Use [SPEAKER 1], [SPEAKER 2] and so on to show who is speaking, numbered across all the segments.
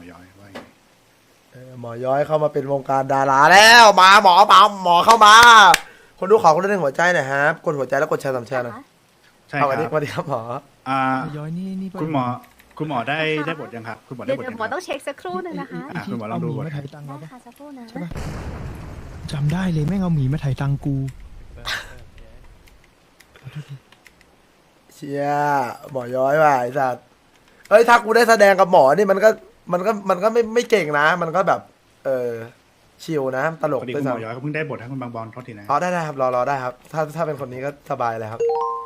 [SPEAKER 1] ย้อยว่ายังไง
[SPEAKER 2] หมอย้อยเข้ามาเป็นวงการดาราแล้วมาหมอเข้ามาคนดูขอคนละหนึ่งหัวใจหน่อยครับกดหัวใจแล้วกดแชร์3 แชร์หน่อย
[SPEAKER 1] ใช่ค
[SPEAKER 2] เอา
[SPEAKER 1] รั
[SPEAKER 2] สวัสดีครับหมอ
[SPEAKER 1] อ่า
[SPEAKER 3] ย้อยนี่
[SPEAKER 1] คุณหมอได้บทยังครับคุณหมอได้
[SPEAKER 4] เดี๋ยว
[SPEAKER 1] บท
[SPEAKER 4] เดี๋ย
[SPEAKER 1] ยั
[SPEAKER 4] ว
[SPEAKER 1] ง
[SPEAKER 4] หม
[SPEAKER 1] ค
[SPEAKER 4] อ
[SPEAKER 1] รับ
[SPEAKER 4] ต้องเช็คสักครู่หนึงนะคะ
[SPEAKER 1] อ่ะคุณหมอลองดูก่อน
[SPEAKER 3] มาถ่ายตังค์
[SPEAKER 4] ได้
[SPEAKER 3] เราปะ
[SPEAKER 4] ค่ะสักครู่นะ
[SPEAKER 3] ใช่ปะจำได้เลยแม่งเอาหมีมาถ่ายตังค์กู
[SPEAKER 2] เชียหมอย้อยว่ะไอ้สัตว์เฮ้ยถ้ากูได้แสดงกับหมอนี่มันก็ไม่เก่งนะ มันก็แบบชิลนะตล
[SPEAKER 1] พ
[SPEAKER 2] ก
[SPEAKER 1] อดี
[SPEAKER 2] ด้ว
[SPEAKER 1] คุ
[SPEAKER 2] ย
[SPEAKER 1] ณหมอ
[SPEAKER 2] ซ้ำ
[SPEAKER 1] ย้อยเขาเพิ่งได้บทให้คุณบางบอลโทษทีนะ
[SPEAKER 2] อ๋อได้ครับรอได้ครับ ถ้าเป็นคนนี้ก็สบายเลยครับ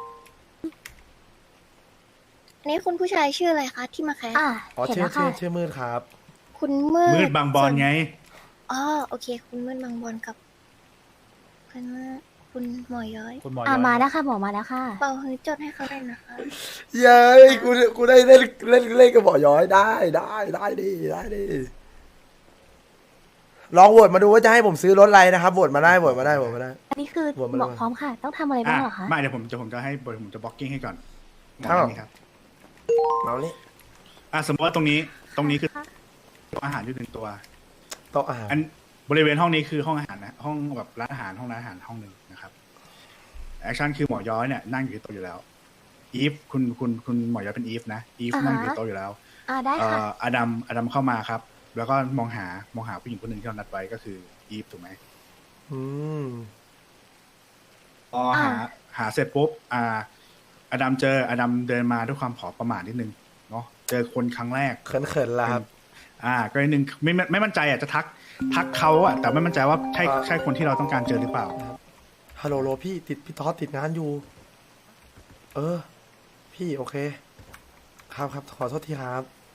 [SPEAKER 5] อันนี้คุณผู้ชายชื่ออะไรคะที่มาแคส
[SPEAKER 2] อ๋อ
[SPEAKER 4] เห็น
[SPEAKER 2] ชื่อ
[SPEAKER 4] แล้วค่ะ
[SPEAKER 2] ชื่อมืดครับ
[SPEAKER 5] คุณมืด
[SPEAKER 1] มืดบางบอลไง
[SPEAKER 5] อ๋อโอเค คุณมืดบางบอลกับคุณมืดคุณหมอย้อย
[SPEAKER 3] คุณหมอ
[SPEAKER 4] มาแล้วค่ะหมอมาแล้วค่ะ
[SPEAKER 5] เป่าฮือจดให้เขาเลยนะคะ
[SPEAKER 2] เย้ยกูได้เล่นกับหมอย้อยได้ดิลองโหวตมาดูว่าจะให้ผมซื้อรถอะไรนะครับโหวตมาได้
[SPEAKER 4] อันนี้คือ
[SPEAKER 2] หมดมา
[SPEAKER 4] ห
[SPEAKER 2] แล้
[SPEAKER 4] ม
[SPEAKER 2] ว
[SPEAKER 4] อพร้อมค่ะ ต้องทำอะไรบ้างเหรอคะ
[SPEAKER 1] ไม่เดี๋ยวผมจะให้ผมจะบล็อกกิ้งให้ก่อน
[SPEAKER 2] ครับ
[SPEAKER 1] นี่ครับ
[SPEAKER 2] เอานี่
[SPEAKER 1] สมมติว่าตรงนี้คือโต๊ะอาหารอยู่หนึ่งตัว
[SPEAKER 2] โต๊ะอาหาร
[SPEAKER 1] อันบริเวณห้องนี้คือห้องอาหารนะห้องแบบร้านอาหารห้องร้านอาหารห้องหนึ่งนะครับแอคชั่นคือหมอย้อยเนี่ยนั่งอยู่ที่โต๊ะอยู่แล้วอีฟคุณหมอย้อยเป็นอีฟนะอีฟนั่งอยู่ที่โต๊ะอยู่แล้ว
[SPEAKER 4] ได้ค่ะ
[SPEAKER 1] อดัมเข้ามาครับ แล้วก็มองหาผู้หญิงคนหนึ่งที่เรานัดไว้ก็คืออีฟถูกไหม
[SPEAKER 2] อืม
[SPEAKER 1] พอหาเสร็จปุ๊บอดัมเดินมาด้วยความผอประมาทนิดนึงเนาะเจอคนครั้งแรก
[SPEAKER 2] เขินๆละครับ
[SPEAKER 1] ก็นิดนึงไม่มั่นใจจะทักเขาอะแต่ไม่มั่นใจว่าใช่คนที่เราต้องการเจอหรือเปล่า
[SPEAKER 2] ฮัลโหลพี่ทอสติดงานอยู่ พี่โอเค ครับขอโทษทีครับ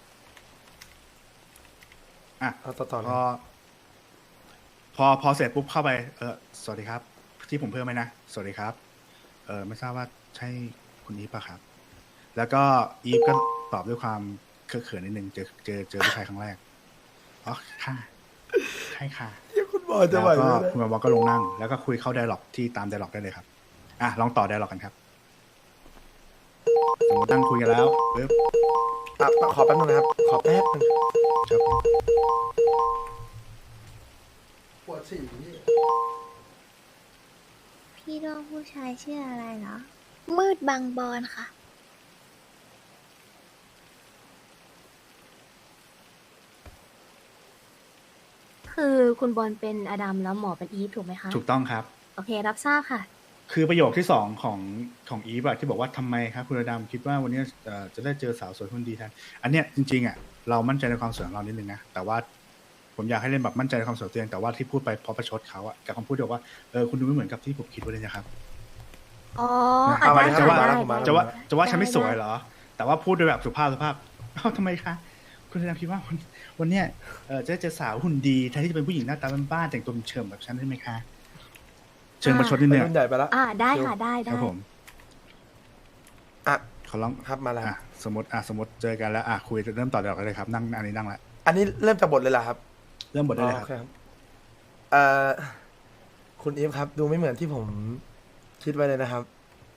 [SPEAKER 1] อ่ะ
[SPEAKER 2] เอาต่อเลย
[SPEAKER 1] พอเสร็จปุ๊บเข้าไปสวัสดีครับ ที่ผมเพิ่มไหมนะสวัสดีครับไม่ทราบว่าใช่คุณอีฟป่ะครับ แล้วก็อีฟก็ตอบด้วยความเขินนิดนึงเจอผู้ชายครั้งแรกอ๋อค่ะใช่ค่ะ
[SPEAKER 2] เดี๋ยวคุณหมอจะ
[SPEAKER 1] แล้ว
[SPEAKER 2] ไหว
[SPEAKER 1] ก็
[SPEAKER 2] ไหมเนี่ย
[SPEAKER 1] คุณบอลก็ลงนั่ง แล้วก็คุยเข้าไดร็อกที่ตามไดร็อกได้เลยครับลองต่อไดร็อกกันครับสมมติตั้งคุยกันแล้วปึ๊บ
[SPEAKER 2] ขอแป๊บนึงนะครับ ขอแป๊บนึง
[SPEAKER 1] ครับผม
[SPEAKER 2] ปวดฉี่
[SPEAKER 5] พี่น้องผู้ชายชื่ออะไรเหรอ มืดบางบอลค่ะ
[SPEAKER 4] คือคุณบอลเป็นอดัมแล้วหมอเป็นอีฟถูกไหมคะ
[SPEAKER 1] ถูกต้องครับ
[SPEAKER 4] โอเครับทราบค่ะ
[SPEAKER 1] คือประโยคที่สองของอีฟอะที่บอกว่าทำไมครับคุณอดัมคิดว่าวันนี้จะได้เจอสาวสวยคนดีแทนอันเนี้ยจริงๆอะเรามั่นใจในความสวยของเรานิดนึงนะแต่ว่าผมอยากให้เล่นแบบมั่นใจในความสวยตัวเองแต่ว่าที่พูดไปเพราะประชดเขาอะกับคำพูดที่บอกว่าคุณดูไม่เหมือนกับที่ผมคิดไว้เลยนะครับ
[SPEAKER 4] อ๋อ
[SPEAKER 1] เอาไว้
[SPEAKER 4] ได้
[SPEAKER 1] จะ
[SPEAKER 4] ค่ะ
[SPEAKER 1] ว่า
[SPEAKER 4] ได้
[SPEAKER 1] จะว่าฉันไม่สวยเหรอ แต่ว่าพูดโดยแบบสุภาพทำไมคะคุณอดัมคิดว่าวันเนี้ยจะได้เจอสาวหุ่นดีแทนที่จะเป็นผู้หญิงหน้าตาบ้านๆแต่งตัวเฉิมแบบฉันได้ไหมคะเชิงประชดนิด
[SPEAKER 2] ไป
[SPEAKER 1] นึง
[SPEAKER 2] รุ่นใหญ่ไปแล้ว
[SPEAKER 4] ได้ค่ะได้
[SPEAKER 1] ครับผม
[SPEAKER 2] อ่ะ
[SPEAKER 1] เขาลอง
[SPEAKER 2] ครับมาแล้ว
[SPEAKER 1] สมมติเจอกันแล้วคุยเริ่มต่อเดี๋ยวกันเลยครับนั่งอันนี้นั่งละ
[SPEAKER 2] อันนี้เริ่มจากบทเลยเหรอครับ
[SPEAKER 1] เริ่มบทได้เลย
[SPEAKER 2] โอ
[SPEAKER 1] ครับ
[SPEAKER 2] เคครับคุณอีฟครับ ดูไม่เหมือนที่ผมคิดไว้เลยนะครับ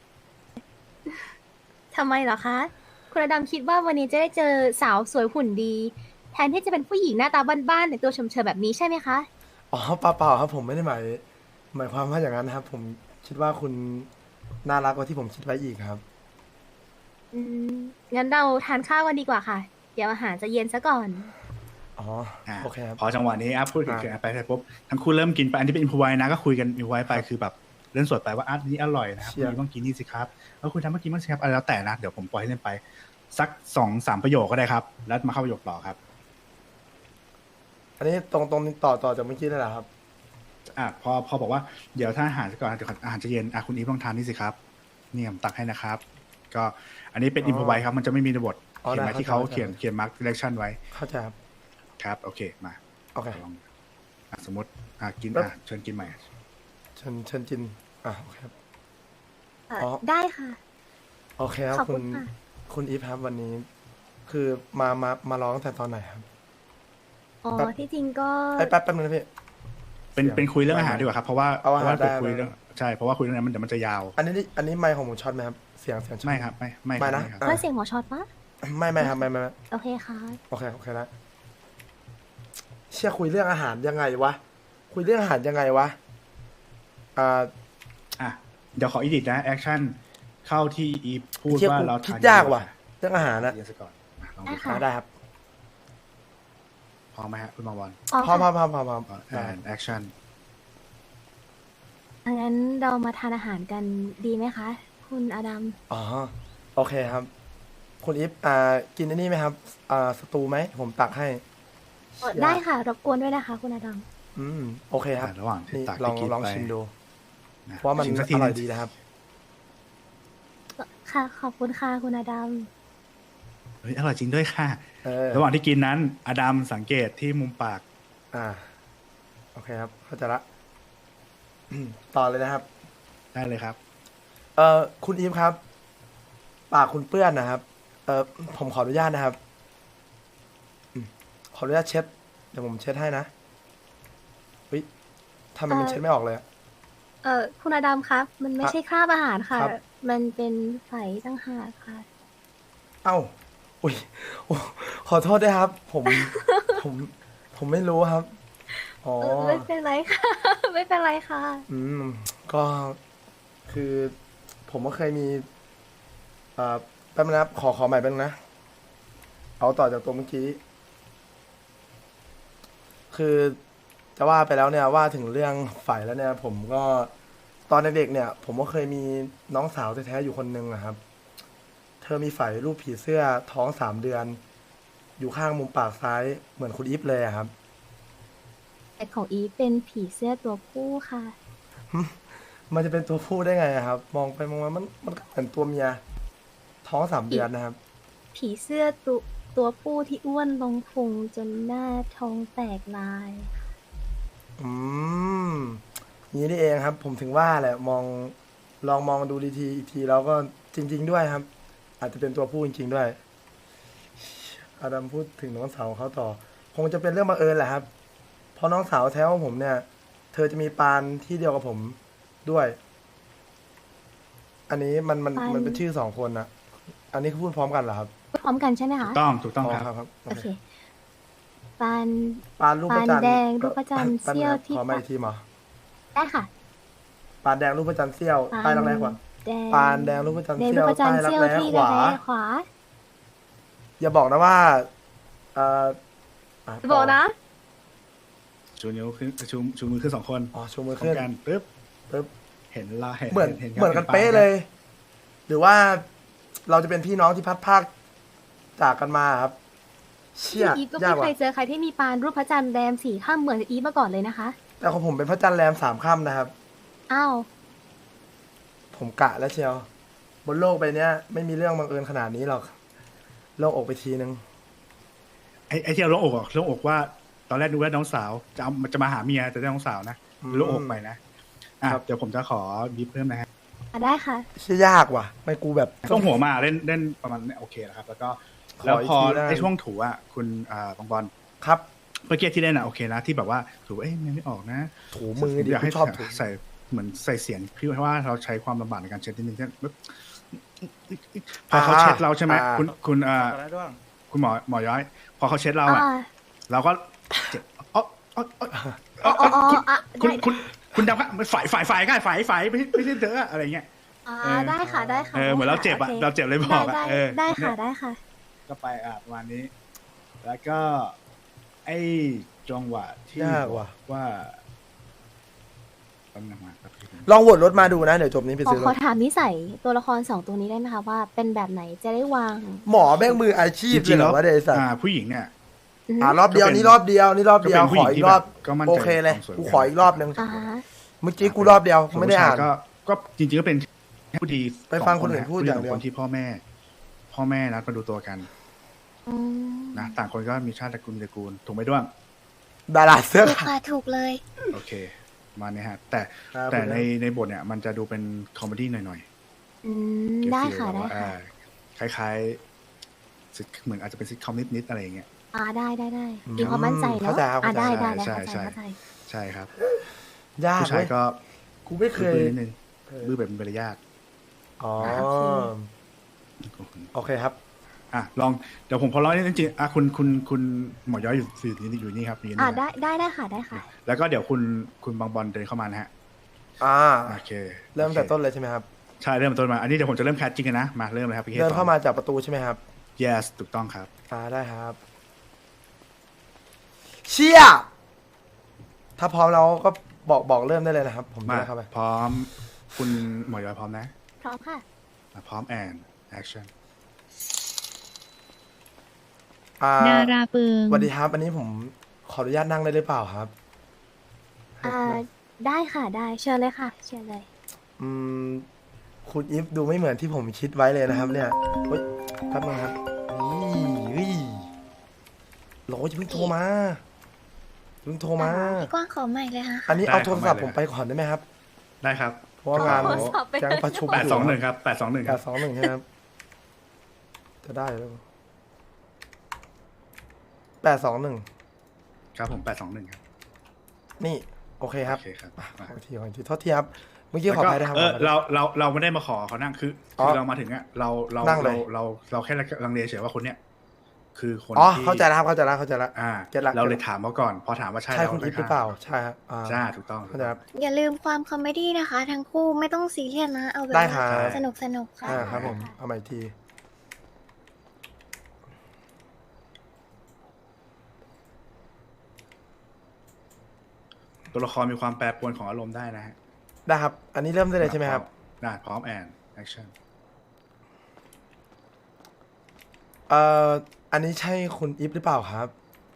[SPEAKER 4] ทำไมเหรอคะ คุณอดัมคิดว่าวันนี้จะได้เจอสาวสวยหุ่นดี แทนที่จะเป็นผู้หญิงหน้าตาบ้านๆแต่งตัวเฉมๆแบบนี้ใช่ไหมคะ
[SPEAKER 2] อ๋อเปล่าครับ ผมไม่ได้หมายความว่าอย่างนั้นนะครับ ผมคิดว่าคุณน่ารักกว่าที่ผมคิดไว้อีกครับ
[SPEAKER 4] อืมงั้นเราทานข้าวกันดีกว่าค่ะ เดี๋ยวอาหารจะเย็นซะก่อน
[SPEAKER 2] อ๋อโอเคครับ
[SPEAKER 1] พอจังหวะนี้พูดถึงไปเสร็จปุ๊บทั้งคู่เริ่มกินไปอันที่เป็นอินพไวนะก็คุยกันอินพไวไปคือแบบเล่นสดไปว่านี้อร่อยนะครับ
[SPEAKER 2] เชี่ย
[SPEAKER 1] คุณต้องกินนี่สิครับแล้วคุณทำเมื่อกี้มั้างสิครับอะไรแล้วแต่นะเดี๋ยวผมปล่อยให้เล่นไปสัก2-3ประโยคก็ได้ครับแล้วมาเข้าประโยคต่อครับ
[SPEAKER 2] อันนี้ตรงนี้ต่อจากเมื่อกี้นั่นแหละครับ
[SPEAKER 1] พอบอกว่าเดี๋ยวถ้าอาหารก่อนเดี๋ยวอาหารจะเย็นคุณอีฟลองทานนี่สิครับนี่ผมตักให้นะครับ ก็อันนี้เป็นอินพไวครับมันจะไม่มีในบท
[SPEAKER 2] อ๋อ
[SPEAKER 1] เขียนไว้
[SPEAKER 2] ได้
[SPEAKER 1] ที่เขา
[SPEAKER 2] เข้าใจ
[SPEAKER 1] เขียนมาร์กดิเรกชันไว้
[SPEAKER 2] เข้าใจครับ
[SPEAKER 1] ครับโอเคมา
[SPEAKER 2] โอเค
[SPEAKER 1] ลองสมมติกิน
[SPEAKER 2] แล้ว
[SPEAKER 1] เชิญกินใหม่
[SPEAKER 2] เชิญจินโอเคครับ
[SPEAKER 4] อ๋อ
[SPEAKER 2] อ๋อ
[SPEAKER 4] ได้ค่ะ
[SPEAKER 2] โอเคครับ
[SPEAKER 4] ขอบ
[SPEAKER 2] คุ
[SPEAKER 4] คุณ ณค่ะ
[SPEAKER 2] คุณอีฟครับวันนี้ คือมาร้องตั้งแต่ตอนไหนครับ
[SPEAKER 4] อ๋อ
[SPEAKER 2] แป๊บ
[SPEAKER 4] ที่จริงก็
[SPEAKER 2] แป๊บนึงนะพี่
[SPEAKER 1] เป็นคุยเรื่องอาหารดีกว่าครับเพราะว่า
[SPEAKER 2] เอาอาหาร
[SPEAKER 1] เพราะว่า
[SPEAKER 2] ได้
[SPEAKER 1] คุยเรื่องใช่เพราะว่าคุยเรื่องนั้นมันเดี๋ยวมันจะยาว
[SPEAKER 2] อันนี้ไมค์ของผมช็อตไหมครับ เสียงช็อต
[SPEAKER 1] ไม่ครับไม่
[SPEAKER 2] ไม่นะ
[SPEAKER 1] ครับ
[SPEAKER 4] เพื่อเสียงหมอช็อตปะ
[SPEAKER 2] ไม่ครับไม่
[SPEAKER 4] โอเคค่ะ
[SPEAKER 2] โอเคนะเชี่ยคุยเรื่องอาหารยังไงวะ คุยเรื่องอาหารยังไงวะ อ่า
[SPEAKER 1] อ่ะเดี๋ยวขออีดิทนะแอคชั่นเข้าที่อีฟพูด
[SPEAKER 2] เชี่ย
[SPEAKER 1] ว่า
[SPEAKER 2] กู
[SPEAKER 1] เรา
[SPEAKER 2] คิด
[SPEAKER 1] ทาน
[SPEAKER 2] ยากว่ะ เรื่องอาหารนะ
[SPEAKER 1] เรียนซะก่อนอ่ะลอง
[SPEAKER 4] ได้
[SPEAKER 1] ดู
[SPEAKER 4] ค่ะ
[SPEAKER 2] ได้ครับ
[SPEAKER 1] พร้อมไหมฮะคุณบางบอล
[SPEAKER 4] อ๋อ
[SPEAKER 2] พร้อมพร้
[SPEAKER 4] ค่ะ
[SPEAKER 2] อมพร้อมพร้อมพร้อมได้
[SPEAKER 1] แอคชั่น
[SPEAKER 4] งั้นเรามาทานอาหารกันดีไหมคะ คุณอดัม
[SPEAKER 2] อ๋อ โอเคครับ คุณอีฟกินอันนี้ไหมครับ สตูไหม ผมตักให้
[SPEAKER 4] ได้ค่ะ รบกวนด้วยนะคะ คุณอดัม
[SPEAKER 2] โอเคครับ
[SPEAKER 1] ระหว่างที่
[SPEAKER 2] นี่
[SPEAKER 1] ตัก
[SPEAKER 2] ลอง
[SPEAKER 1] ที่กิน
[SPEAKER 2] ลอง
[SPEAKER 1] ไป
[SPEAKER 2] ชิมดู
[SPEAKER 1] นะ
[SPEAKER 2] เพราะว่ามัน
[SPEAKER 1] ชิสัก
[SPEAKER 2] อ
[SPEAKER 1] ที
[SPEAKER 2] ร่อย
[SPEAKER 1] หนึ่ง
[SPEAKER 2] ดีนะครับ
[SPEAKER 4] ค่ะ ขอบคุณค่ะคุณอดัม
[SPEAKER 1] เฮ้ยอร่อยจริงด้วยค่ะ
[SPEAKER 2] เออ
[SPEAKER 1] ระหว่างที่กินนั้น อดัมสังเกตที่มุมปาก
[SPEAKER 2] โอเคครับ เข้าใจละ ต่อเลยนะครับ
[SPEAKER 1] ได้เลยครับ
[SPEAKER 2] คุณอีฟครับ ปากคุณเปื้อนนะครับ ผมขออนุญาตนะครับ ขออนุญาตเช็ด เดี๋ยวผมเช็ดให้นะเฮ้ยทำไมมันเช็ดไม่ออกเลยอะ
[SPEAKER 4] คุณอดัมครับ มันไม่ใช่คราบอาหารค่ะ
[SPEAKER 2] ครับ
[SPEAKER 4] มันเป็นไฝตั้งหากค่ะ
[SPEAKER 2] เอ้า อุ้ยโอ้ขอโทษด้วยครับ ผม ผมไม่รู้ครับ อ๋อ
[SPEAKER 4] ไม่เป็นไรค่ะ ไม่เป็นไรค่ะ
[SPEAKER 2] ก็คือ ผมก็เคยมีแป๊บนึงนะครับ ขอใหม่แป๊บนึงนะ เอาต่อจากตัวเมื่อกี้ คือจะว่าไปแล้วเนี่ยว่าถึงเรื่องฝ่ายแล้วเนี่ย ผมก็ตอนเด็กๆเนี่ย ผมก็เคยมีน้องสาวแท้ๆอยู่คนหนึ่งอะครับ เธอมีฝ่ายรูปผีเสื้อท้อง3 เดือน อยู่ข้างมุมปากซ้ายเหมือนคุณอีฟเลยอะครับ
[SPEAKER 4] แต่ของอีฟเป็นผีเสื้อตัวผู้ค่ะ
[SPEAKER 2] มันจะเป็นตัวผู้ได้ไงอะครับ มองไปมองมามันก็เหมือนตัวเมีย ท้อง3 เดือนนะครับ
[SPEAKER 4] ผีเสื้อตัวผู้ที่อ้วนลงพุงจนหน้าท้องแตกลาย
[SPEAKER 2] อืมนี้นี่เองครับ ผมถึงว่าแหละลองมองดูดีทีอีกทีแล้วก็จริง ๆ ด้วยครับ อาจจะเป็นตัวผู้จริง ๆ ด้วยอาดัมพูดถึงน้องสาวของเขาต่อ คงจะเป็นเรื่องบังเอิญแหละครับ เพราะน้องสาวแท้ของผมเนี่ย เธอจะมีปานที่เดียวกับผมด้วย อันนี้มัน
[SPEAKER 4] ปาน
[SPEAKER 2] เป็นชื่อ2 คนนะอันนี้คือพูดพร้อมกันเหรอครับ
[SPEAKER 4] พร้อมกันใช่ไหมคะ
[SPEAKER 1] ถูกต้องครับ
[SPEAKER 2] ครับโอ
[SPEAKER 4] โอ
[SPEAKER 2] เค
[SPEAKER 4] เค ปาน
[SPEAKER 2] ปานรูปพระจันทร์
[SPEAKER 4] ปานแดงรูปพระจันทร์
[SPEAKER 2] แป๊บ
[SPEAKER 4] เสี้ยว
[SPEAKER 2] นะครับ
[SPEAKER 4] ที่
[SPEAKER 2] ขอมาอีกทีหมอ
[SPEAKER 4] ได้ค่ะ
[SPEAKER 2] ปานแดงรูปพระจันทร์เสี้ยวใต้รักแร้ขวา
[SPEAKER 4] แดง
[SPEAKER 2] ปานแดงรูปพระจันทร์
[SPEAKER 4] แดง
[SPEAKER 2] เสี้
[SPEAKER 4] รู
[SPEAKER 2] ยว
[SPEAKER 4] ปพระจันทร์
[SPEAKER 2] ใต้รัก
[SPEAKER 4] เสี้ยว
[SPEAKER 2] แร้
[SPEAKER 4] ที่
[SPEAKER 2] ข
[SPEAKER 4] ระ
[SPEAKER 2] วา
[SPEAKER 4] แร้ขวา
[SPEAKER 2] อย่าบอกนะว่าเอ่อ
[SPEAKER 4] บอกนะ
[SPEAKER 1] ชูนิ้วขึ้นชูมือขึ้น2 คน
[SPEAKER 2] อ๋อชูมือ
[SPEAKER 1] พร้อ
[SPEAKER 2] ขึ้
[SPEAKER 1] ม
[SPEAKER 2] น
[SPEAKER 1] กันปึ๊บ
[SPEAKER 2] ปึ๊บ
[SPEAKER 1] เห็นละเห็น
[SPEAKER 2] เหมือน
[SPEAKER 1] เห็น
[SPEAKER 2] เหมือนกัน
[SPEAKER 1] ห็
[SPEAKER 2] เป๊ะเลย หรือว่าเราจะเป็นพี่น้องที่พัดภาคจากกันมาครับ เชี่ย
[SPEAKER 4] อีฟก็
[SPEAKER 2] ยาก
[SPEAKER 4] ไม่เค
[SPEAKER 2] ว่ะ
[SPEAKER 4] ยเจอใครที่มีปานรูปพระจันทร์แรม4 ค่ำเหมือนอีฟมาก่อนเลยนะคะ
[SPEAKER 2] แต่ของผมเป็นพระจันทร์แรม3 ค่ำนะครับ
[SPEAKER 4] อ้าว
[SPEAKER 2] ผมกะแล้วเชียว บนโลกใบเนี้ย ไม่มีเรื่องบังเอิญขนาดนี้หรอกโลกอกไปทีนึง
[SPEAKER 1] ไอ้ที่เราโล่งอกอะโล่งอกว่า ตอนแรกนึกว่าน้องสาวจะมาหาเมียแต่ได้น้องสาวนะโล่งอกไปนะเดี๋ยวผมจะขอบีบเพิ่มนะฮะ
[SPEAKER 4] ได้ค่ะ
[SPEAKER 2] เชี่ยยากว่ะ ไม่กูแบบ
[SPEAKER 1] ต้องหัวมาเล่นประมาณนี้โอเคแล้วครับ แล้วก็
[SPEAKER 2] ขอ
[SPEAKER 1] แล้วพอ
[SPEAKER 2] อีกทีได้
[SPEAKER 1] ไอ้ช่วงถูอ่ะคุณบางบอล
[SPEAKER 2] ครับ
[SPEAKER 1] เมื่อกี้ที่เล่นอ่ะโอเคนะที่แบบว่าถูไม่ออกนะ
[SPEAKER 2] ถูมือดิ
[SPEAKER 1] อยากให้
[SPEAKER 2] กูชอบถู
[SPEAKER 1] ใส่เหมือนใส่เสียงพี่ว่าเราใช้ความลำบากในการเช็ดนิดนึงใช่ไหมพอเขาเช็ดเราใช่ไหมคุณคุณหมอย้อย พอเขาเช็ดเราอ่ะ เราก็เจ็บอ๋อ
[SPEAKER 4] อ๋ออ่ะ
[SPEAKER 1] คุณดำครับฝ่ายก็ฝ่ายไม่ใช่เธออะไรเงี้ย
[SPEAKER 4] ได้ค่ะ ได้ค่ะ
[SPEAKER 1] เหมือนเราเจ็บอ่ะ
[SPEAKER 4] โค
[SPEAKER 1] เราเจ็บเลยบอกอ่ะ
[SPEAKER 4] ได้ค่ะ ได้ค่ะ
[SPEAKER 1] ก็ไปประมาณนี้ แล้วก็ไอ้จังหวะที่
[SPEAKER 2] ยากว่ะ
[SPEAKER 1] ว่าแป๊บนึงมาครับ
[SPEAKER 2] ลองวนรถมาดูนะ เดี๋ยวจบนี้ไป
[SPEAKER 4] ขอ
[SPEAKER 2] ซื้อร
[SPEAKER 4] ขอ
[SPEAKER 2] ถ
[SPEAKER 4] ถามนิสัยตัวละคร2 ตัวนี้ได้ไหมคะว่าเป็นแบบไหนจะได้วาง
[SPEAKER 2] หมอแม่งมืออาชีพเลยเหรอวะเดซัน
[SPEAKER 1] ผู้หญิงเนี่ย
[SPEAKER 2] รอบเดียว
[SPEAKER 1] ก็เป็น
[SPEAKER 2] นี่รอบเดียวนี่รอบเดียว
[SPEAKER 1] ก็เป็นผู้
[SPEAKER 2] ข
[SPEAKER 1] หญิ
[SPEAKER 2] อง อี
[SPEAKER 1] ที่
[SPEAKER 2] กรอบ
[SPEAKER 1] แบบก็มั่นใจ
[SPEAKER 2] โอเคเลย
[SPEAKER 1] ความสวย
[SPEAKER 2] กูขออีกรอบนึง
[SPEAKER 4] อ่าฮะ
[SPEAKER 2] เมื่อกี้กูรอบเดียวไม่ได้อ่าน
[SPEAKER 1] ก็จริงๆก็เป็นผู้ดี
[SPEAKER 2] ไปฟังคนอื่นพูดอย่างเดียว
[SPEAKER 1] คนที่พ่อแม่นัดมาดูตัวกัน
[SPEAKER 4] อืม
[SPEAKER 1] นะต่างคนก็มีชาติตระกูลถูกไหมด้วง
[SPEAKER 2] ดาราเสื้อ
[SPEAKER 5] ถูก
[SPEAKER 2] ขาว
[SPEAKER 5] ค่ะถูกเลย
[SPEAKER 1] โอเคมาเนี่ยฮะ แต่
[SPEAKER 2] ครับ
[SPEAKER 1] แต่
[SPEAKER 2] ผม
[SPEAKER 1] ในบทเนี่ยมันจะดูเป็นคอมเมดี้หน่อย
[SPEAKER 4] อืม
[SPEAKER 1] ๆ
[SPEAKER 4] ได้
[SPEAKER 1] ฟีล
[SPEAKER 4] ค่ะ
[SPEAKER 1] แบบ
[SPEAKER 4] ได้
[SPEAKER 1] ว่า
[SPEAKER 4] ค่ะ
[SPEAKER 1] คล้ายๆเหมือนอาจจะเป็นซิทคอมนิดๆอะไรอย่างเงี้ย
[SPEAKER 4] ได้มีความมั่นใจเนาะได้เข้าใจเข้าใจ
[SPEAKER 1] ใช่ครับ
[SPEAKER 2] ยาก
[SPEAKER 1] ผู้ชาย
[SPEAKER 2] เว้ย
[SPEAKER 1] ก็
[SPEAKER 2] กูไม่เคย
[SPEAKER 1] บื้อนิดนึงบื้อแบบเป็นมารยาท
[SPEAKER 2] อ๋อ
[SPEAKER 4] โอเค
[SPEAKER 2] โอเคครับ
[SPEAKER 1] ลองเดี๋ยวผมขอร้องนิดนึงจริงๆคุณหมอย้อยอยู่นี่ครับอยู่นี่นะ
[SPEAKER 4] ได้ค่ะได้ค่ะ
[SPEAKER 1] แล้วก็เดี๋ยวคุณบางบอลเดินเข้ามานะฮะ โอเค
[SPEAKER 2] เริ่มแต่ต้นเลยใช่ไหมครับ
[SPEAKER 1] ใช่เริ่มต้นมาอันนี้เดี๋ยวผมจะเริ่มแคสจริงกันนะมาเริ่มเลยครับพี่
[SPEAKER 2] เดินเข้ามาจากประตูใช่ไหมครับ
[SPEAKER 1] yes ถูกต้องครับ
[SPEAKER 2] ได้ครับ เชี่ยถ้าพร้อมเราก็บอกเริ่มได้เลยนะครับ ผม
[SPEAKER 1] มา
[SPEAKER 2] เดินเข้าไป
[SPEAKER 1] พร้อมคุณหมอย้อยพร้อมนะ
[SPEAKER 4] พร้อมค่ะ
[SPEAKER 1] พร้อม and action
[SPEAKER 6] ดาราเปิง
[SPEAKER 2] สวัสดีครับ อันนี้ผมขออนุญาตนั่งได้หรือเปล่าครับ
[SPEAKER 4] ได้ค่ะได้เชิญเลยค่ะเชิญเลย
[SPEAKER 2] อืมคุณอีฟดูไม่เหมือนที่ผมคิดไว้เลยนะครับ เนี่ยเฮ้ยแป๊บนึงครับนี่โหลจะเพิ่งโทรมาเพิ่งโทรมา
[SPEAKER 5] พี่กว้างขอใหม่เลยค่ะ
[SPEAKER 2] อันนี้
[SPEAKER 1] ได้
[SPEAKER 2] เอาโทรศัพท์
[SPEAKER 1] ขอ
[SPEAKER 2] ผ
[SPEAKER 1] ใหม่
[SPEAKER 2] ม
[SPEAKER 1] เลย
[SPEAKER 2] ไปก่อนได้ไหมครับ
[SPEAKER 1] ได้ครับ
[SPEAKER 2] เพราะว่างาน
[SPEAKER 4] โทรศัพท์ไป
[SPEAKER 2] แจ้งประชุม
[SPEAKER 1] 821ครับ821ครับ
[SPEAKER 2] 821ใช่ไหมครับจะได้หรือเปล่า821
[SPEAKER 1] ครับผม821ครับ
[SPEAKER 2] นี่ โอเคครับ
[SPEAKER 1] โอเคครับ
[SPEAKER 2] ขออีกทีโทษทีครับ เมื่อกี้ขออภัยนะครับ
[SPEAKER 1] เราไม่ได้มาขอเขานั่งคือ
[SPEAKER 2] อ๋อ
[SPEAKER 1] เรามาถึงอ่ะเรา
[SPEAKER 2] นั่งเลย
[SPEAKER 1] เราแค่ลังเลเฉยว่าคนเนี้ยคือคน
[SPEAKER 2] อ๋อ
[SPEAKER 1] ที่
[SPEAKER 2] เข้าใจแล้วครับเข้าใจแล้ว เก็ตละ
[SPEAKER 1] เราเลยถามเขาก่อน พอถามว่าใช่
[SPEAKER 2] ใช่คุณอีฟหรือเปล่า ใช่ครับ
[SPEAKER 1] ใช่ถูกต้อง
[SPEAKER 2] เข้าใจครับ
[SPEAKER 5] อย่าลืมความคอมเมดี้นะคะ ทั้งคู่ไม่ต้องซีเรียสนะ เอาแบบ
[SPEAKER 2] ได้ครับ
[SPEAKER 5] สนุกค่ะ
[SPEAKER 2] ครับผม เอาใหม่อีกที
[SPEAKER 1] ตัวละครมีความแปรปรวนของอารมณ์ได้นะฮะ
[SPEAKER 2] ได้ครับ อันนี้เริ่มได้เลยใช่ไหมครับ
[SPEAKER 1] ได้พร้อม and action
[SPEAKER 2] อันนี้ใช่คุณอีฟหรือเปล่าครับ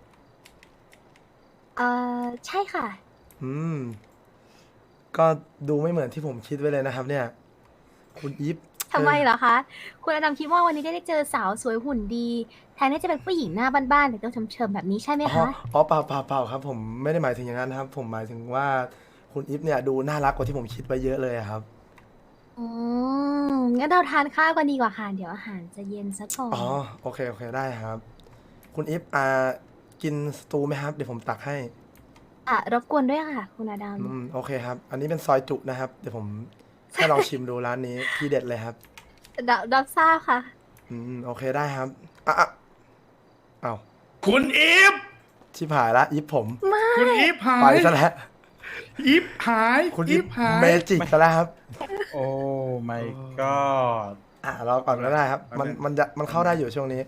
[SPEAKER 4] ใช่ค่ะ
[SPEAKER 2] อืม ก็ดูไม่เหมือนที่ผมคิดไว้เลยนะครับ เนี่ย คุณอีฟ
[SPEAKER 4] ทำไมเหรอคะ คุณอดัมคิดว่าวันนี้ได้เจอสาวสวยหุ่นดี แทนที่จะเป็นผู้หญิงหน้าบ้านๆแต่ตัวเฉิมๆแบบนี้ใช่ไหม
[SPEAKER 2] อ๋อ
[SPEAKER 4] คะ
[SPEAKER 2] เปล่าครับ ผมไม่ได้หมายถึงอย่างนั้นนะครับ ผมหมายถึงว่าคุณอีฟเนี่ยดูน่ารักกว่าที่ผมคิดไปเยอะเลยอะครับ
[SPEAKER 4] อืงั้นเราทานข้าวกันดีกว่าค่ะ เดี๋ยวอาหารจะเย็นซะก่อน
[SPEAKER 2] อ๋อ โอเคได้ครับ คุณอีฟกินสตูไหมครับ เดี๋ยวผมตักให้
[SPEAKER 4] รบกวนด้วยค่ะ คุณอดัม
[SPEAKER 2] โอเคครับ อันนี้เป็นซอยจุนะครับ เดี๋ยวผมให้ลองชิมดูร้านนี้ ที่เด็ดเลยครับ
[SPEAKER 4] รับทราบค่ะ
[SPEAKER 2] โอเคได้ครับอ้าว
[SPEAKER 1] คุณอีฟ
[SPEAKER 2] ชิบหายละอีฟผม
[SPEAKER 1] คุณอีฟหา
[SPEAKER 2] ไป
[SPEAKER 1] ย
[SPEAKER 2] ซะแล้ว
[SPEAKER 1] อีฟหาย
[SPEAKER 2] คุณ
[SPEAKER 1] อี
[SPEAKER 2] อีฟ
[SPEAKER 1] ฟหาย
[SPEAKER 2] เมจิกซะแล้วครับ
[SPEAKER 7] โอ้ my
[SPEAKER 1] อ๋อ
[SPEAKER 7] god
[SPEAKER 2] เราก่อนก็ได้ครับ มันเข้าได้อยู่ช่วงนี้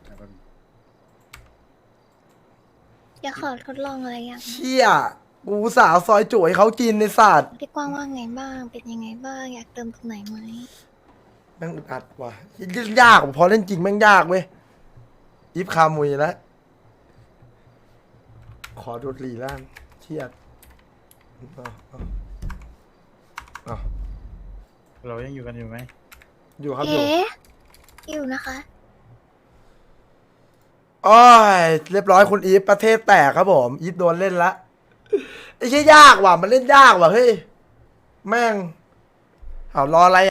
[SPEAKER 5] อยากขอทดลองอะไรอย่าง
[SPEAKER 2] เชี่ยกูอุตสาวซอยจุ๋ยเขากินในศาสตร์
[SPEAKER 5] พี่กว้างว่าไงบ้าง เป็นยังไงบ้าง อยากเติมตรงไหนไหม
[SPEAKER 2] แม่งอึดอัดว่ะยากพอเล่นจริงแม่งยากเว้ยอีฟคามุยแล้ว ขอดูดหลีล่างเครียดเอา
[SPEAKER 7] เรายังอยู่กันอยู่ไหม
[SPEAKER 2] อยู่ครับอยู่
[SPEAKER 5] เอ๊ะอยู่นะคะ
[SPEAKER 2] โอ้ยเรียบร้อยคุณอีฟประเทศแตกครับผมอีฟโดนเล่นละไอ้เชี่ยยากว่ะมันเล่นยากว่ะเฮ้ยแม่งเอารออะไร